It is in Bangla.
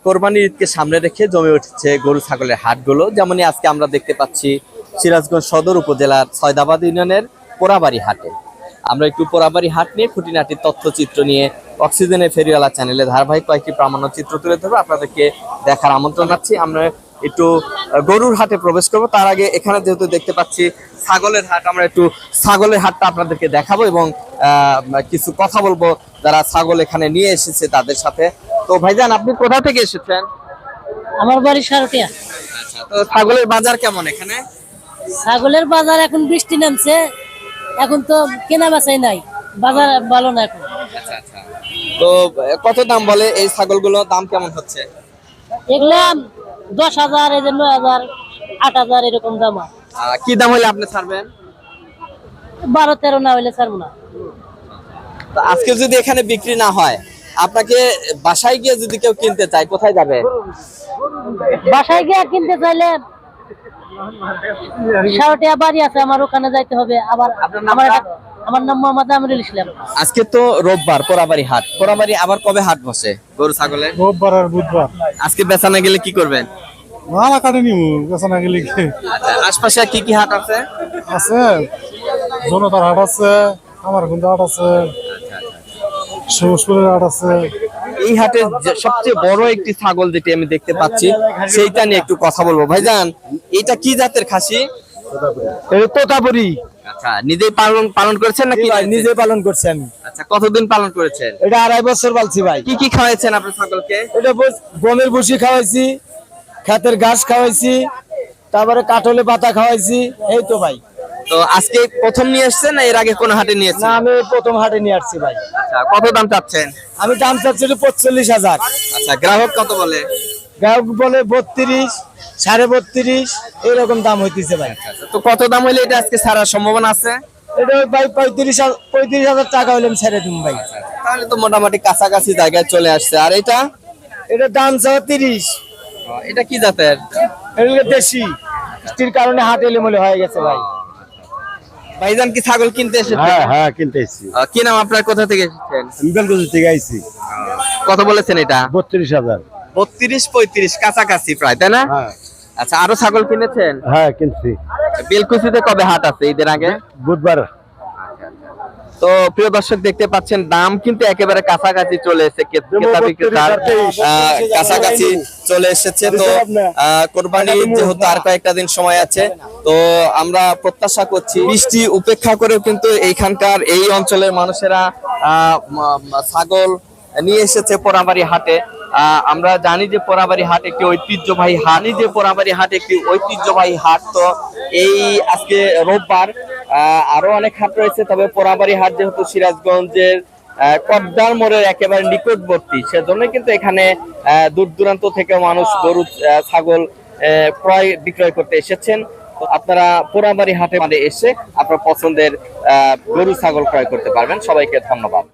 কোরবানির ঈদকে সামনে রেখে জমে উঠেছে গরু ছাগলের হাটগুলো। যেমনই আজকে আমরা দেখতে পাচ্ছি সিরাজগঞ্জ সদর উপজেলার সয়দাবাদ ইউনিয়নের পোড়াবাড়ি হাটে। আমরা একটু পোড়াবাড়ি হাট নিয়ে খুঁটিনাটি তথ্যচিত্র নিয়ে অক্সিজেনের ফেরিওয়ালা চ্যানেলে ধারাবাহিক কয়েকটি প্রামাণ্য চিত্র তুলে ধরবো, আপনাদেরকে দেখার আমন্ত্রণ জানাচ্ছি। আমরা একটু গরুর হাটে প্রবেশ করব, তার আগে এখানে যেহেতু দেখতে পাচ্ছি ছাগলের হাট, আমরা একটু ছাগলের হাটটা আপনাদেরকে দেখাবো এবং কিছু কথা বলবো যারা ছাগল এখানে নিয়ে এসেছে তাদের সাথে। তো ভাইজান, আপনি কোথা থেকে এসেছেন? আমার বাড়ি সারটিয়া। আচ্ছা, তো ছাগলের বাজার কেমন এখানে? ছাগলের বাজার এখন বৃষ্টি নামছে, এখন তো কেনা বেচাই নাই, বাজার ভালো না এখন। আচ্ছা আচ্ছা, তো কত দাম বলে এই ছাগলগুলো, দাম কেমন হচ্ছে? এগুলা 10,000, এই যে 9,000, 8,000 এরকম দাম। কি দাম হলে আপনি ছাড়বেন? 12-13 না হইলে ছাড়বো না। তো আজকে যদি এখানে বিক্রি না হয়, আপনাকে বাসায় গিয়ে যদি কেউ কিনতে চায় কোথায় যাবে? বাসায় গিয়ে কিনতে চাইলে সারটিয়া বাড়ি আছে আমার, ওখানে যাইতে হবে। আবার আমার নাম মোহাম্মদ আমিরুল ইসলাম। আজকে তো রোববার, পোড়াবাড়ি হাট। পোড়াবাড়ি আবার কবে হাট বসে গরু ছাগলের? রোববার আর বুধবার। আজকে বেচা না গেলে কি করবেন? মালা কাটে নিমু, বেচা না গেলে কি? আশপাশে কি কি হাট আছে? আছে জনতার হাট আছে, আমার কিন্তু হাট আছে, সবুজপুরের হাট আছে। এই হাটে সবচেয়ে বড় একটি ছাগল যেটি আমি দেখতে পাচ্ছি সেইটা নিয়ে একটু কথা বলবো। ভাইজান, এটা কি জাতের খাসি? তোতাপুরি। আচ্ছা, নিজেই পালন করেছেন নাকি? নিজে পালন করছি আমি। আচ্ছা, কতদিন পালন করেছেন? এটা 2.5 বছর পালছি ভাই। কি কি খাওয়াইছেন আপনার ছাগলকে? এটা গমের ভুসি খাওয়াইছি, ক্ষেতের ঘাস খাওয়াইছি, তারপরে কাঠলে পাতা খাওয়াইছি, এই তো ভাই। তো আজকে প্রথম নিয়ে এসেছেন না এর আগে কোন হাটে নিয়ে না, এসেছেন? আমি প্রথম হাটে নিয়ে আসছি ভাই। আচ্ছা, কত দাম চাচ্ছেন? আমি দাম চাচ্ছি 45,000। আচ্ছা, গ্রাহক কত বলে? গ্রাহক বলে 32, 32.5 এরকম দাম হইতেছে ভাই। তো কত দাম হলে এটা আজকে ছাড়ার সম্ভাবনা আছে? এটা ভাই 35,000 টাকা হইলে আমি ছেড়ে দিন ভাই। তাহলে তো মোটামুটি কাছাকাছি জায়গায় চলে আসছে। আর এটা? এটা দাম চাওয়া 30। এটা কি জাতের? এটা দেশি, বৃষ্টির কারণে হাট এলোমেলো হয়ে গেছে ভাই। ভাইজান কি ছাগল কিনতে এসেছেন? হ্যাঁ কিনতে এসেছি। কি নাম আপনার, কোথা থেকে এসেছেন? আমি বেলকুচি থেকে আইছি। কত বলেছেন এটা? 32,000। 32-35 কাছাকাছি প্রায়, তাই না? হ্যাঁ আচ্ছা, আরো ছাগল কিনেছেন? হ্যাঁ কিনছি। বেলকুচিতে কবে হাট আছে ঈদের আগে? বুধবার। তো প্রিয় দর্শক, দেখতে পাচ্ছেন দাম কিন্তু একেবারে কাছাকাছি চলে এসেছে, ক্রেতা বিক্রেতার কাছাকাছি চলে এসেছে। তো কোরবানি যেহেতু আর কয়েকটা দিন সময় আছে, তো আমরা প্রত্যাশা করছি বৃষ্টি উপেক্ষা করেও কিন্তু এইখানকার এই অঞ্চলের মানুষেরা ছাগল নিয়ে এসেছে পোড়াবাড়ি হাটে। আমরা জানি যে পোড়াবাড়ি হাট একটি ঐতিহ্যবাহী হাট। তো এই আজকে রোববার, আরো অনেক হাট রয়েছে, তবে পোড়াবাড়ি হাট যেহেতু সিরাজগঞ্জের কদ্দার মোড়ের একেবারে নিকটবর্তী, সেজন্য কিন্তু এখানে দূর দূরান্ত থেকে মানুষ গরু ছাগল ক্রয় বিক্রয় করতে এসেছেন। আপনারা পোড়াবাড়ি হাটে এসে আপনার পছন্দের গরু ছাগল ক্রয় করতে পারবেন। সবাইকে ধন্যবাদ।